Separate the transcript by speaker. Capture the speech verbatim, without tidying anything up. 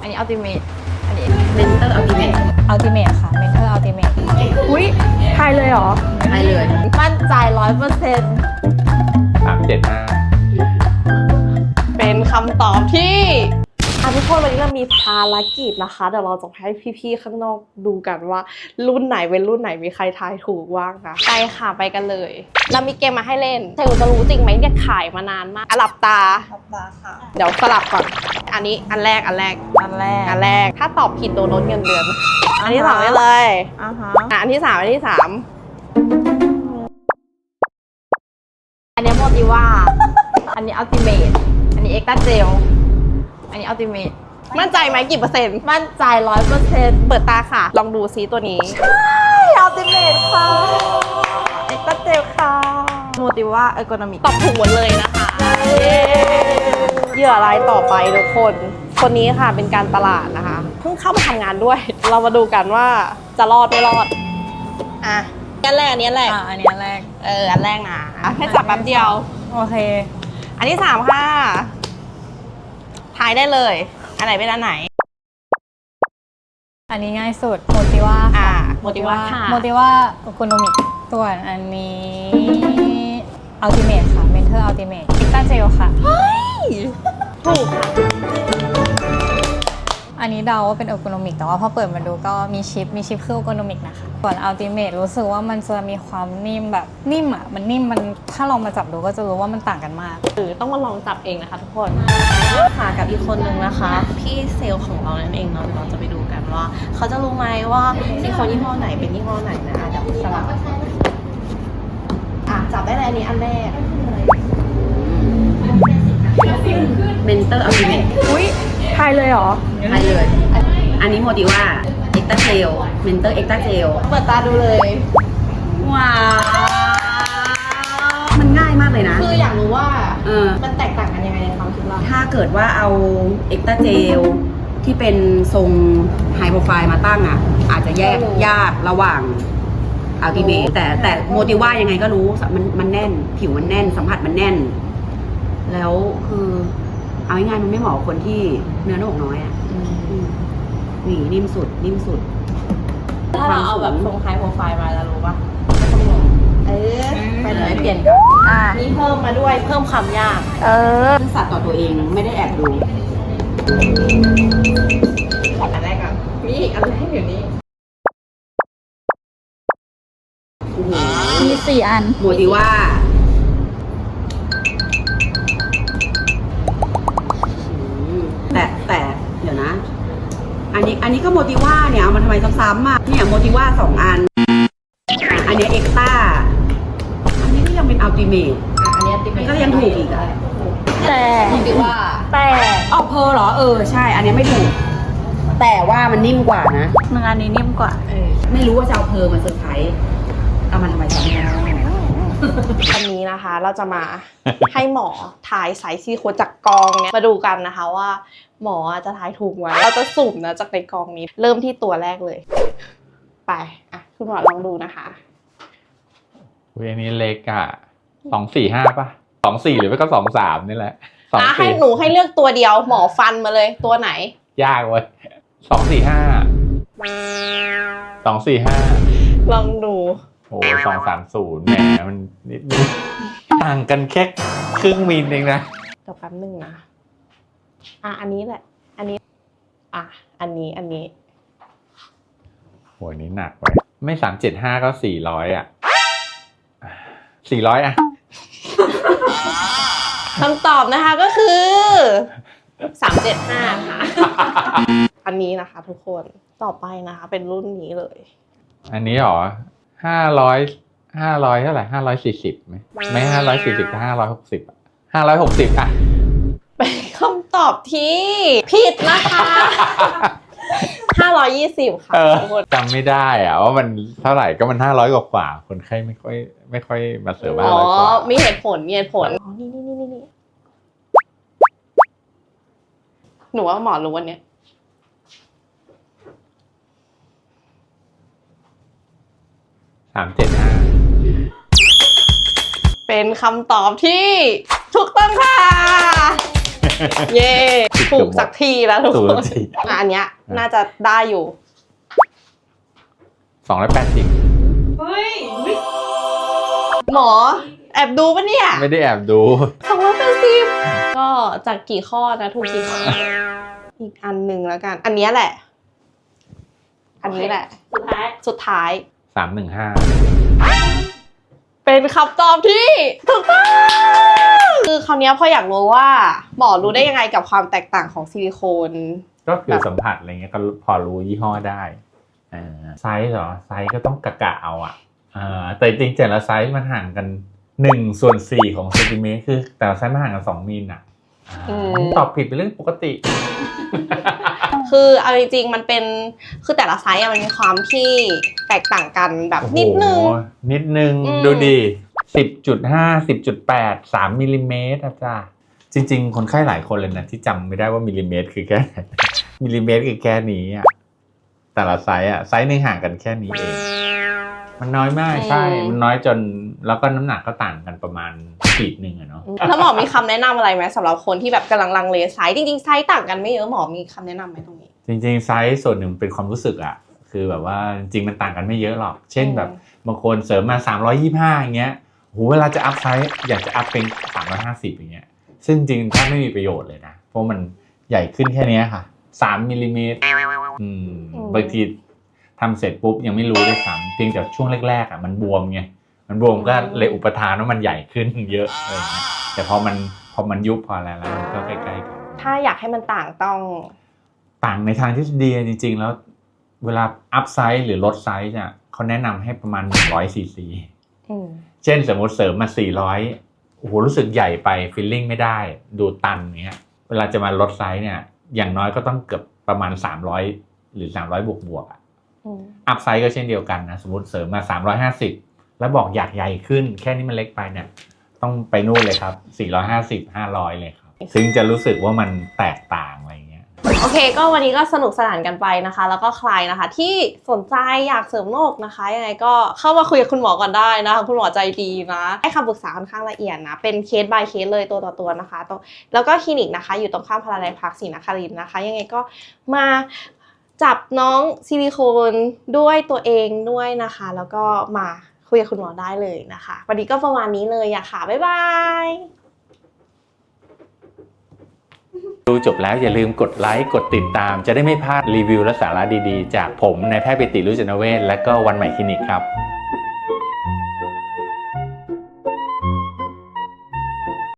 Speaker 1: อันนี้อัลติเมทอันนี้
Speaker 2: เมนเตอร์อัลติเมท
Speaker 3: อัลติเมทค่ะเมนเทอร์อัลติเมท
Speaker 1: อุ้ยทายเลยเหรอ
Speaker 2: ใช่เลย
Speaker 1: มั่นใจร้อยเปอร์เซ็นต์
Speaker 4: สามเจ็ดห้า
Speaker 1: เป็นคำตอบที่อ่ะทุกคนวันนี้เรามีภารกิจนะคะเดี๋ยวเราจะให้พี่ๆข้างนอกดูกันว่า รุ่นไหนเป็นรุ่นไหนมีใครทายถูกบ้างนะไปค่ะไปกันเลยเรามีเกมมาให้เล่นเธอจะรู้จริงไหมเนี่ยขายมานานมากอ่ะหลับตา
Speaker 3: ทับตาค่ะ
Speaker 1: เดี๋ยวสลับก่อน อันนี้อันแรกอันแรก
Speaker 3: อันแรก
Speaker 1: อันแรก ถ้าตอบผิดโดนลดเงินเดือน อันที่สองได้เลย
Speaker 3: อ่าฮะ
Speaker 1: อ่ะอันที่สามอันที่สามอันนี้โมติว่า อันนี้อัลติเมทอันนี้เอ็กซ์ตาเจลอันนี้อัลติเมทมั่นใจไหมกี่เปอร์เซ็นต์ มั่นใจร้อยเปอร์เซ็นต์เปิดตาค่ะ ลองดูซิตัวนี้ ใช่อัลติเมทค่ะเอ็กซ์ตาเจลค่ะโมติว่าเออร์โกนอมิกตอบถูกหมดเลยนะคะเหยื่อรายต่อไปทุกคน คนนี้ค่ะเป็นการตลาดนะคะเพิ่งเข้ามาทำงานด้วย เรามาดูกันว่าจะรอดไม่รอดอ่ะอันแรกอันนี้อันแรก
Speaker 3: อ่าอันนี้อันแรก
Speaker 1: เอออันแรกนะให้จับแป๊บเดียว
Speaker 3: โอเค
Speaker 1: อันที่สามค่ะทายได้เลย อันไหนเป็นอันไหน
Speaker 3: อันนี้ง่ายสุดโมติว่า
Speaker 1: อ่า
Speaker 3: ค่ะ
Speaker 1: โมติว่าค่ะ
Speaker 3: โมติว่าโอโคโนมิกส่วนอันนี้อัลติเมทค่ะเมนเทอร์อัลติเมทเอ็กตาเจลค่ะ
Speaker 1: ถูกค่ะ
Speaker 3: อันนี้เดาว่าเป็นโอโคโนมิกแต่ว่าพอเปิดมาดูก็มีชิปมีชิปคือโอโคโนมิกนะคะส่วนอัลติเมทรู้สึกว่ามันจะมีความนิ่มแบบนิ่มอ่ะมันนิ่มมันถ้าลองมาจับดูก็จะรู้ว่ามันต่างกันมาก
Speaker 1: หรือต้องมาลองจับเองนะคะทุกคนค่ะกับอีกคนนึงนะคะ พี่เซลล์ของเรานั่นเองเนาะเดี๋ยวเราจะไปดูกันว่า เขาจะรู้ไหมว่าซิลิโคนยี่ห้อไหนเป็นยี่ห้อไหนนะอ่ะเดี๋ยวสลับอ่ะจับได้เลยอันนี้อันแรก
Speaker 2: เมนเตอร์อัลติเมท
Speaker 1: อุ้ยทายเลยเหรอ
Speaker 2: ใช่เลย อันนี้โมดิว่าเอ็กตาเจลเมนเตอร์เอ็กตาเจล
Speaker 1: เปิดตาดูเลย
Speaker 2: ว้าว มันง่ายมากเลยนะ
Speaker 1: คืออยากรู้ว่า
Speaker 2: เออ
Speaker 1: มันแตกต่างกันยังไงในความคิดเรา
Speaker 2: ถ้าเกิดว่าเอาเอ็กตาเจลที่เป็นทรงไฮโปรไฟล์มาตั้งอ่ะ อาจจะแยกยากระหว่างอัลติเมทแต่แต่โมดิว่ายังไงก็รู้มันมันแน่น ผิวมันแน่น สัมผัสมันแน่น แล้วคือเอาง่ายๆมันไม่เหมาะกับคนที่เนื้อหนอกน้อยอ่ะอืมนี่นิ่มสุด นิ่มสุด
Speaker 1: ถ้าเราเอาแบบทรงไฮโปรไฟล์มาแล้วรู้ปะไม่ต้องงงเออไปเลยเปลี่ยนกัน
Speaker 3: อ่า
Speaker 1: นี่เพิ่มมาด้วยเพิ่มความยาก
Speaker 3: เออ
Speaker 2: ซื่อสัตย์ต่อตัวเองไม่ได้แอบดู
Speaker 1: อันแรกก่อนมีอีกอันแรกอยู่นี่
Speaker 3: มีสี่อัน
Speaker 2: โมดิว่าแต่แต่เดี๋ยวนะ อันนี้อันนี้ก็โมดิว่าเนี่ยเอามาทำไมซ้ำๆอ่ะเนี่ยโมดิว่าสองอัน อันนี้เอ็กต้าอันนี้ก็ยังเป็นอัลติเมท
Speaker 1: อ่ะอันนี้ติ
Speaker 2: มันก็ยังถูกอีกอ่ะ
Speaker 3: แต่
Speaker 1: ติว่า
Speaker 3: แต่
Speaker 2: เอาเพอเหรอเออใช่ อันนี้ไม่ถูก แต่ว่ามันนิ่มกว่านะ
Speaker 3: หนึ่งอันนี้นิ่มกว่า
Speaker 1: เออ
Speaker 2: ไม่รู้ว่าจะเอาเพอมาเซอร์ไพรส์เอามาทำไมซ้ำแล้ว
Speaker 1: วันนี้นะคะเราจะมา ให้หมอถ่ายสายซิลิโคนจากกองเนี่ยมาดูกันนะคะว่า หมอจะถ่ายถูกไหมเราจะสุ่มนะจากในกองนี้ เริ่มที่ตัวแรกเลย ไปอ่ะคุณหมอลองดูนะคะ
Speaker 4: เวยนี้เล็กอ่ะสองสี่ห้าป่ะสองสี่หรือไม่ก็สองสามนี่แหละสอง
Speaker 1: อ่ะให้
Speaker 4: สี่
Speaker 1: หนูให้เลือกตัวเดียวหมอฟันมาเลยตัวไหน
Speaker 4: ยากเว้ยสองสี่ห้าสองสี่ห้า
Speaker 1: ลองดู
Speaker 4: โอ้สองสามศูนย์แหมมันนิดนึงต่างกันแค่ครึ่งมิลเองนะ
Speaker 1: เดี๋ยวแป๊บนึงนะอ่ะอันนี้แหละ อันนี้ อ่ะอันนี้อันนี้
Speaker 4: โหยนี้หนักไว้ไม่สามเจ็ดห้าก็สี่ร้อยอ่ะสี่ร้อยอ่ะ
Speaker 1: คำตอบนะคะก็คือสามเจ็ดห้าค่ะ อันนี้นะคะทุกคนต่อไปนะคะ เป็นรุ่นนี้เลย
Speaker 4: อันนี้หรอห้าร้อยห้าร้อยเท่าไหร่ห้าร้อยสี่สิบไหมไม่ห้าร้อยสี่สิบก็ห้าร้อยหกสิบอ่ะห้าร้อยหกสิบอ่ะ
Speaker 1: เป็นคำตอบที่ผิดนะคะห้าร้อยยี่สิบค่ะ
Speaker 4: เออ
Speaker 1: ทุกคน
Speaker 4: จำไม่ได้อ่ะว่ามันเท่าไหร่ก็มันห้าร้อยกว่าๆคนไข้ไม่ค่อยไม่ค่อยมาเสิร์ฟห้า
Speaker 1: อ๋อ
Speaker 4: ร้อยกว่า
Speaker 1: มีเหตุผลมีเหตุผลอ๋อนี่นี่นี่นี่นี่หนูว่าหมอรู้วันเนี้ย
Speaker 4: สามเจ็ดห้า
Speaker 1: เป็นคำตอบที่ถูกต้องค่ะเย่ถูกสักทีแล้วทุก
Speaker 4: ถูก
Speaker 1: ค
Speaker 4: สั
Speaker 1: น
Speaker 4: กที
Speaker 1: อ่ะอันเนี้ยน่าจะได้อยู่
Speaker 4: สองร้อยแปดสิบ
Speaker 5: เฮ้ย
Speaker 1: หมอแอบดูปะเนี่ย
Speaker 4: ไม่ได้แอบดู
Speaker 1: สองร้อยแปดสิบก็จากกี่ข้อนะถูกกี่ข้ออีกอันหนึ่งแล้วกัน อันเนี้ยแหละ อันนี้แหละ
Speaker 5: สุดท้าย
Speaker 1: สุดท้าย
Speaker 4: สามหนึ่งห้า
Speaker 1: เป็นคำตอบที่ถูกต้องคือคราวเนี้ยพออยากรู้ว่าหมอรู้ได้ยังไงกับความแตกต่างของซิลิโคน
Speaker 4: ก็คือสัมผัสอะไรเงี้ยก็พอรู้ยี่ห้อได้อ่าไซส์เหรอ ไซส์ก็ต้องกะกะเอาอ่ะอ่าแต่จริงๆแต่ละไซส์มันห่างกันหนึ่งส่วนสี่ของเซนติเมตรคือแต่ละไซส์มันห่างกันสองมิลอ่ะอ่าตอบผิดเป็นเรื่องปกติ
Speaker 1: คือเอาจริงๆมันเป็นคือแต่ละไซส์อะมันมีความที่แตกต่างกันแบบนิดนึง
Speaker 4: โอ้โหนิดนึง
Speaker 1: อืม
Speaker 4: ดูดิสิบจุดห้าสิบจุดแปดสามมิลลิเมตรอาจารย์จริง ๆ คนไข้หลายคนเลยนะที่จำไม่ได้ว่ามิลลิเมตรคือแค่ไหน มิลลิเมตรคือแค่นี้อ่ะแต่ละไซส์อ่ะไซส์หนึงห่างกันแค่นี้เองมันน้อยมากใช่ มันน้อยจนแล้วก็น้ำหนักก็ต่างกันประมาณขีดหนึ่งอะเนาะ
Speaker 1: แล้วหมอมีคำแนะนำอะไรไหมสำหรับคนที่แบบกำลังลังเลไซส์จริงๆไซส์ต่างกันไม่เยอะหมอมีคำแนะนำไหมตรงนี้
Speaker 4: จริงๆไซส์ส่วนหนึ่งเป็นความรู้สึกอ่ะคือแบบว่าจริงๆมันต่างกันไม่เยอะหรอกเช่นแบบบางคนเสริมมาสามร้อยยี่สิบห้าอย่างเงี้ยโหเวลาจะอัพไซส์อยากจะอัพเป็นสามร้อยห้าสิบอย่างเงี้ยซึ่งจริงๆถ้าไม่มีประโยชน์เลยนะเพราะมันใหญ่ขึ้นแค่เนี้ยค่ะสามมิลลิเมตรอืมบางทีทำเสร็จปุ๊บยังไม่รู้ด้วยซ้ำเพียงแต่ช่วงแรกๆอ่ะมันบวมไงมันบวมก็เลยอุปทานว่ามันใหญ่ขึ้นเยอะอะไรเงี้ยแต่พอมันพอมันยุบพออะไรแล้วมันก็ใกล้ๆกัน
Speaker 1: ถ้าอยากให้มันต่างต้อง
Speaker 4: ต่างในทางทฤษฎีจริงๆแล้วเวลาอัพไซส์หรือลดไซส์เนี่ยเขาแนะนำให้ประมาณหนึ่งร้อยซีซี
Speaker 1: อืม
Speaker 4: เช่นสมมติเสริมมาสี่ร้อยโอ้โหรู้สึกใหญ่ไปฟีลลิ่งไม่ได้ดูตันเงี้ยเวลาจะมาลดไซส์เนี่ยอย่างน้อยก็ต้องเกือบประมาณสามร้อยหรือสามร้อยบวกบวกๆอ่ะ
Speaker 1: อืม
Speaker 4: อัพไซส์ก็เช่นเดียวกันนะสมมติเสริมมาสามร้อยห้าสิบแล้วบอกอยากใหญ่ขึ้นแค่นี้มันเล็กไปเนี่ยต้องไปนู่นเลยครับสี่ร้อยห้าสิบ ห้าร้อยเลยครับซึ่งจะรู้สึกว่ามันแตกต่างอะไรเงี้ย
Speaker 1: โอเคก็วันนี้ก็สนุกสนานกันไปนะคะ แล้วก็ใครนะคะที่สนใจอยากเสริมโรคนะคะยังไงก็เข้ามาคุยกับคุณหมอก่อนได้นะคะคุณหมอใจดีนะให้คำปรึกษาค่อนข้างละเอียดนะเป็นเคส by เคสเลยตัวต่อตัวนะคะตรงแล้วก็คลินิกนะคะอยู่ตรงข้ามพาราไดพักศรีนครินทร์นะคะยังไงก็มาจับน้องซิลิโคนด้วยตัวเองด้วยนะคะ แล้วก็มาคุยกับคุณหมอได้เลยนะคะวันนี้ก็ประมาณนี้เลยอะค่ะบ๊ายบาย
Speaker 4: ดูจบแล้วอย่าลืมกดไลค์กดติดตามจะได้ไม่พลาดรีวิวและสาระดีๆ จากผมนายแพทย์ปิติรุจนเวชและก็วันใหม่คลินิกครับ